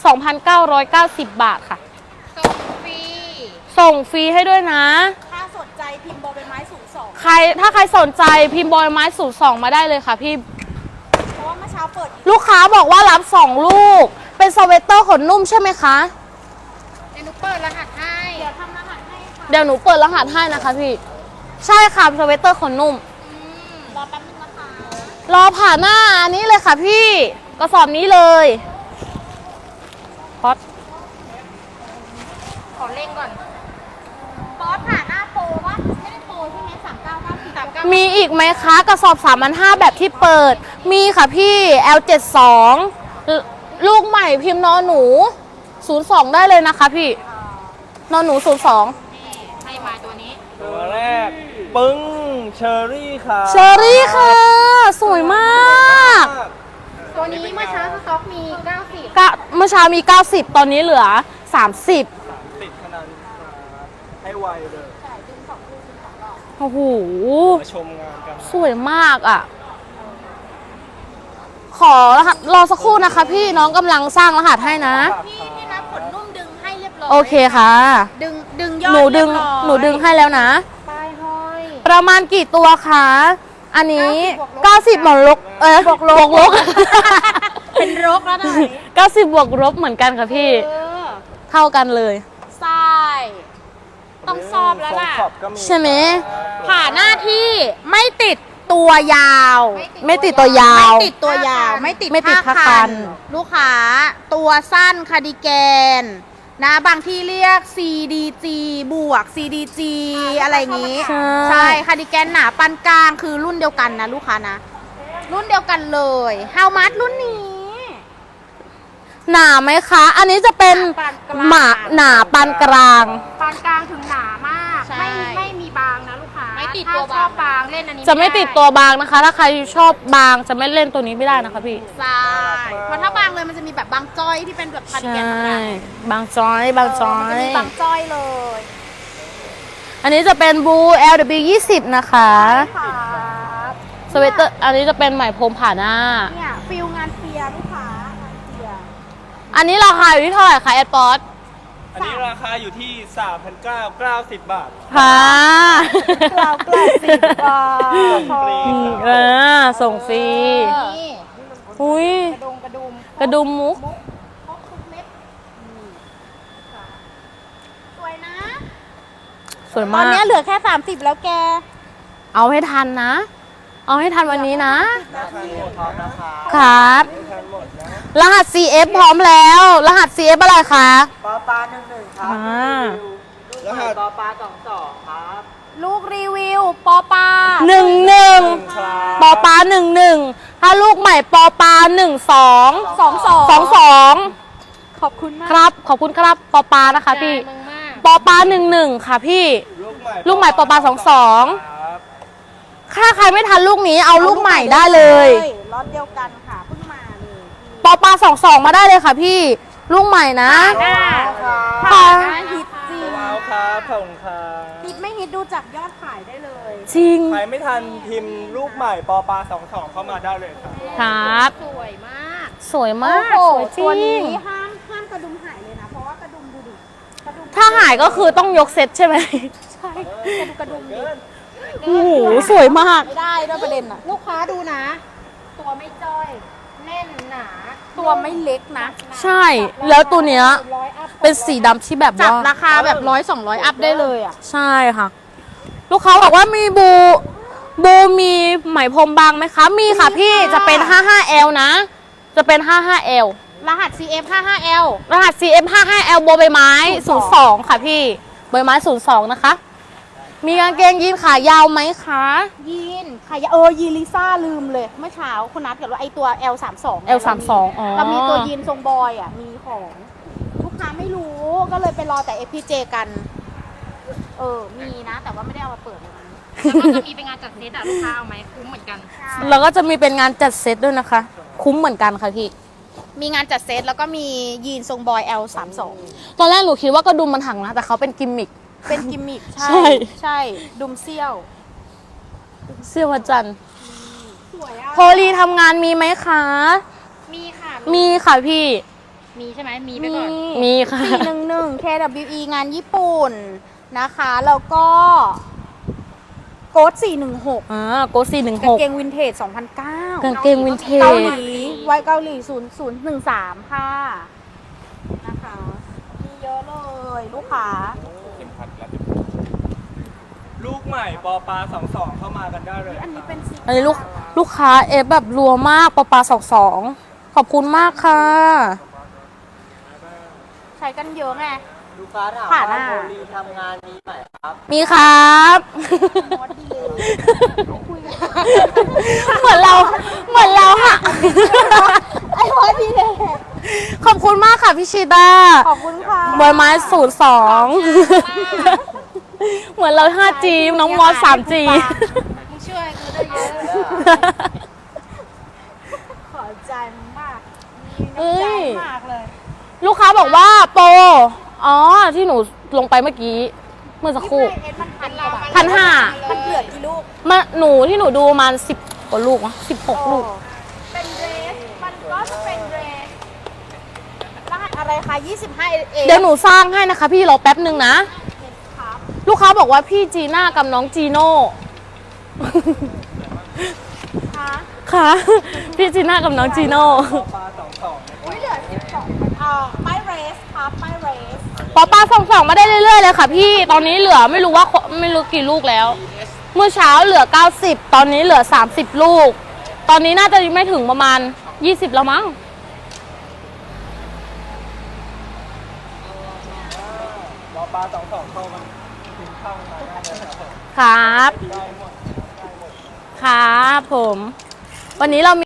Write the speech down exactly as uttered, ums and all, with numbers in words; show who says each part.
Speaker 1: สองพันเก้าร้อยเก้าสิบ บาทค่ะ
Speaker 2: ส่งฟรี
Speaker 1: ส่งฟรีให้ด้วยนะ
Speaker 2: ถ้าสนใจพิมพ์บอใบไม้ศูนย์สอง
Speaker 1: ใครถ้าใครสนใจพิมพ์บอใบไม้ศูนย์สองมาได้เลยค่ะพี่
Speaker 2: เพราะว่าเมื่อเช้าเปิด
Speaker 1: ลูกค้าบอกว่ารับสองลูกเป็นสเวตเตอร์ขนนุ่มใช่ไหมคะ
Speaker 2: เดี๋ยวหนูเปิดรหัสให้เดี๋ยวทำรหัสให้ค่ะ
Speaker 1: เดี๋ยวหนูเปิดรหัสให้นะคะพี่ใช่ค่ะสเวตเตอร์ขนนุ่ม
Speaker 2: รอแป๊บนึงนะคะ
Speaker 1: รอผ่าหน้าอันนี้เลยค่ะพี่กระสอบนี้เลยพอด
Speaker 2: ขอเล่งก่อนป๊อตผ่าหน้าโปรวะไม่ได้โปรใช่ไหมสามเก้าเก้าสี่สามเก้า
Speaker 1: มีอีกไหมคะกระสอบ สามพันห้าร้อย แบบที่เปิดมีค่ะพี่ แอล เจ็ดสิบสอง ลูกใหม่พิมพ์นอหนูศูนย์สองได้เลยนะคะพี่นอหนูศูนย์สอง
Speaker 2: ให้มาตัวนี้
Speaker 3: ตัวแรกปึ้งเชอรี่ค่ะ
Speaker 1: เชอรี่ค่ะสวยมาก
Speaker 2: ตัวนี้เมื่อเช้าสต็อกมีเก้าสิบ
Speaker 1: เมื่อเช้ามีเก้าสิบตอนนี้เหลือสามสิบ
Speaker 3: ติดขนาดให้ไวเลย
Speaker 1: โอ้โห
Speaker 3: มาชมงานกัน
Speaker 1: สวยมากอ่ะขอรหัสรอสักครู่นะคะพี่น้องกำลังสร้างรหัสให้นะ
Speaker 2: พี่พี่รับขนนุ่มดึงให้เรียบร้อย
Speaker 1: โอเคค่ะ
Speaker 2: ดึงดึงยอด
Speaker 1: หนูดึงหนูดึงให้แล้วนะ
Speaker 2: ปลายห้อย
Speaker 1: ประมาณกี่ตัวคะอันนี้เก้าสิบบวกลบเออบวกลบลบ
Speaker 2: เป็นลบแล้วนะ
Speaker 1: เก้าสิบบวกลบเหมือนกันค่ะพี่เท่ากันเลย
Speaker 2: ใช่ต้องซอบแล้วล่ะ
Speaker 1: ใช่ไหม
Speaker 2: ผ่าหน้าที่ไม่ติดตัวยาว
Speaker 1: ไม่ติดตัวยาว
Speaker 2: ไม่ติดตัวยาวไม่ติดไม่ติดผ้าคันลูกค้าตัวสั้นคาร์ดิแกนนะบางที่เรียก ซี ดี จี บวก ซี ดี จี อะไรอย่างงี้ใช่คาร์ดิแกนหนาปานกลางคือรุ่นเดียวกันนะลูกค้านะรุ่นเดียวกันเลยฮาวมัดรุ่นนี้
Speaker 1: หนาไหมคะอันนี้จะเป็นหมาหนาปานกลาง
Speaker 2: ปานกลางถึงหนามากไม่ไม่มีบางนะลูกค้าไม่ติดตัวบางบางเล่นอันนี้
Speaker 1: จะไม่ติดตัวบางนะคะถ้าใครชอบบางจะไม่เล่นตัวนี้ไม่ได้นะคะพี่
Speaker 2: ใช่เพราะถ้าบางเลยมันจะมีแบบบางจ้อยที่เป็นแบบคาร์ดิแกนธรรมดา
Speaker 1: บางจ้อยบางจ้อย
Speaker 2: บางจ้อยเลย
Speaker 1: อันนี้จะเป็นบู แอล ดับเบิลยู ยี่สิบนะคะสเวตเตอร์อันนี้จะเป็นไหมพรมผ่าหน้า
Speaker 2: เนี่ยฟิลงานเฟียลูกค้างานเฟีย
Speaker 1: อันนี้ราคาอยู่ที่เท่าไหร่คะแอดป๊อต
Speaker 3: อันนี้ราคาอยู่ที่ สามพันเก้าร้อยเก้าสิบ บาท
Speaker 1: ค่ะ
Speaker 2: เก้าเก้าสิบบาท
Speaker 3: ส่งฟรี
Speaker 1: เออส่งฟรีอุ้ย
Speaker 2: กระดุมกระดุม
Speaker 1: กระดุมมุก
Speaker 2: สวยนะ
Speaker 1: สวยมาก
Speaker 2: ตอนนี้เหลือแค่สามสิบแล้วแก
Speaker 1: เอาให้ทันนะเอาให้ทันวันนี้นะ
Speaker 3: ครับ
Speaker 1: รหัส ซี เอฟ พร้อมแล้วรหัส ซี เอฟ อะไรคะ
Speaker 4: ปอปลาหนึ่งหนึ่งครับรหัสปอปลาสองสองครับ
Speaker 2: ลูกรีวิวปอปลา
Speaker 1: หนึ่งหนึ่งปอปลาหนึ่งหนึ่งถ้าลูกใหม่ปอปลาหนึ่งสอง
Speaker 2: สองสอง
Speaker 1: สองสอง
Speaker 2: ขอบคุณมาก
Speaker 1: ครับขอบคุณครับปอปลานะคะพี่ปอปลาหนึ่งหนึ่งค่ะพี่ลูกใหม่ปอปลาสองสองถ้าใครไม่ทันลูกนี้เอาลูกใหม่ได้เลย
Speaker 2: รถเดียวกันค่ะเพิ่งมาเลย
Speaker 1: ปอปลาสองสองมาได้เลยค่ะพี่ลูกใหม่นะ
Speaker 2: ค่ะฮิตจริง
Speaker 3: ครับขอบคุณครับ
Speaker 2: ฮิตไม่ฮิตดูจากยอดขายได้เลย
Speaker 1: จริง
Speaker 3: ใครไม่ทันพิมพ์ลูกใหม่ปอปลาสองสองเข้ามาได้เลยครับ
Speaker 1: ครับ
Speaker 2: สวยมาก
Speaker 1: สวยมากสวยจริง
Speaker 2: ตัวนี้ห้ามห้ามกระดุมหายเลยนะเพราะว่ากระดุมดูดิ
Speaker 1: ถ้าหายก็คือต้องยกเซ็ตใช่ไหม
Speaker 2: ใช่กระดุมดิ
Speaker 1: โอ้โหสวยมาก
Speaker 2: ไม่ได้ด้วยประเด็นอะลูกค้าดูนะตัวไม่จ้อยแน่นหนาตัวไม่เล็กนะ
Speaker 1: ใช่แล้วตัวเนี้ยเป็นสีดำที่แบบ
Speaker 2: จับราคาแบบร้อยสองร้อยอัพได้เลยอ่ะ
Speaker 1: ใช่ค่ะลูกค้าบอกว่ามีบูบูมีไหมพรมบางไหมคะมีค่ะพี่จะเป็น ห้าสิบห้า แอล นะจะเป็น ห้าสิบห้า แอล
Speaker 2: รหัส ซี เอฟ ห้าสิบห้า แอล
Speaker 1: รหัส ซี เอฟ ห้าสิบห้า แอล โบใบไม้ศูนย์สองค่ะพี่ใบไม้ศูนย์สองนะคะมีกางเกงยีนขายาวไหมคะ
Speaker 2: ยีนขายาวเออยีนลิซ่าลืมเลยเมื่อเช้าคุณนัดกับว่าไอตัว แอล สามสิบสอง
Speaker 1: แอล สามสิบสองอ๋อ
Speaker 2: เรามีตัวยีนทรงบอยอ่ะมีของลูกค้าไม่รู้ก็เลยไปรอแต่ เอฟ พี เจ กันเออมีนะแต่ว่าไม่ได้เอามาเปิดเลยแล้วก็จะมีเป็นงานจัดเซตอ่ะลูกค้าเอาไหมคุ้มเหมือนกัน
Speaker 1: แล้วก็จะมีเป็นงานจัดเซตด้วยนะคะคุ้มเหมือนกันค่ะพี่
Speaker 2: มีงานจัดเซตแล้วก็มียีนทรงบอย แอล สามสิบสอง
Speaker 1: ตอนแรกหนูคิดว่ากระดุมมันหักนะแต่เขาเป็นกิมมิค
Speaker 2: เป็นกิมมิคใช่ใช่ดุมเซี่ยว
Speaker 1: เซี่ยวจันทร์
Speaker 2: สวยอ่ะ
Speaker 1: โพลีทำงานมีไหมคะ
Speaker 2: มีค่ะ
Speaker 1: มีค่ะพี่
Speaker 2: มีใช่ไหมมีไปก่อน
Speaker 1: มีค่ะ
Speaker 2: สี่หนึ่งหนึ่ง เค ดับเบิลยู อี งานญี่ปุ่นนะคะ แล้วก็โค้ดสี่หนึ่งหก
Speaker 1: อ่าโกสี่หนึ่งห
Speaker 2: กาง
Speaker 1: ก
Speaker 2: เกงวินเทจสองพันเก้าก
Speaker 1: างเกงวินเท
Speaker 2: เกา
Speaker 1: จ
Speaker 2: หลีไว้เกาหลีศูนย์ศูนย์หนึ่งสามค่ะนะคะ มีเยอะเลยลูกค้า
Speaker 3: เข็มขัดแล้วลูกใหม่ปอปลาสองสองเข้ามากันได้เลย
Speaker 2: อันนี้เป็นสี
Speaker 1: อันนี้ลูกลูกค้าเอฟแบบรัวมากปอปลาสองสองขอบคุณมากค่ะ
Speaker 2: ใช้กันเยอะไง
Speaker 4: ลูกค้าถาม
Speaker 2: ผ่านห
Speaker 4: ว่า
Speaker 2: น้า
Speaker 4: โมลีทำงานนี้ไหมครับ
Speaker 1: มีครับ เหมือนเราเหมือนเราค่ะ
Speaker 2: ไอ้พอดีเลย
Speaker 1: ขอบคุณมากค่ะพี่ชิดา
Speaker 2: ขอบคุณค่ะ
Speaker 1: บอยไม้ศูนย์สองเหมือนเรา ห้าจี น้องมอส สามจี
Speaker 2: มึงช่วยกูได้เยอะ ขอใจมึงมากมีน้ำใจมากเลย
Speaker 1: ลูกค้าบอกว่าโปรอ๋อ ที่หนูลงไปเมื่อกี้ เมื่อสักครู่
Speaker 2: เอ็ดมันพันกว่าบาท
Speaker 1: พันห้า
Speaker 2: มันเหลือกี่ลูก
Speaker 1: มาหนูที่หนูดูประมาณสิบกว่าลูกวะสิบหกลูก
Speaker 2: เป็นเดรส มันก็จะเป็นเดรสรหัสอะไรคะยี่สิบห้า เอ
Speaker 1: เดี๋ยวหนูสร้างให้นะคะ พี่รอแป๊บหนึ่งนะ
Speaker 2: ครับ
Speaker 1: ลูกค้าบอกว่าพี่จีน่ากับน้องจีโน่
Speaker 2: คะ
Speaker 1: ค่ะ พี่จีน่ากับน้องจีโน่
Speaker 3: ปอปลาสองสอง
Speaker 2: อุ้ยเหลือสิบสองอ่าไม่เรสครับไม่เรส
Speaker 1: ปอปลาส่องส่องมาได้เรื่อยๆเลยค่ะพี่ ตอนนี้เหลือไม่รู้ว่าไม่รู้กี่ลูกแล้ว เมื่อเช้าเหลือเก้าสิบตอนนี้เหลือสามสิบลูก ตอนนี้น่าจะไม่ถึงประมาณยี่สิบแล้วมั้ง
Speaker 3: ปอปลาสองสองเข้ามาถึงเข้ามาได้เลยครับผม
Speaker 1: ครับ ครับผม วันนี้เรามี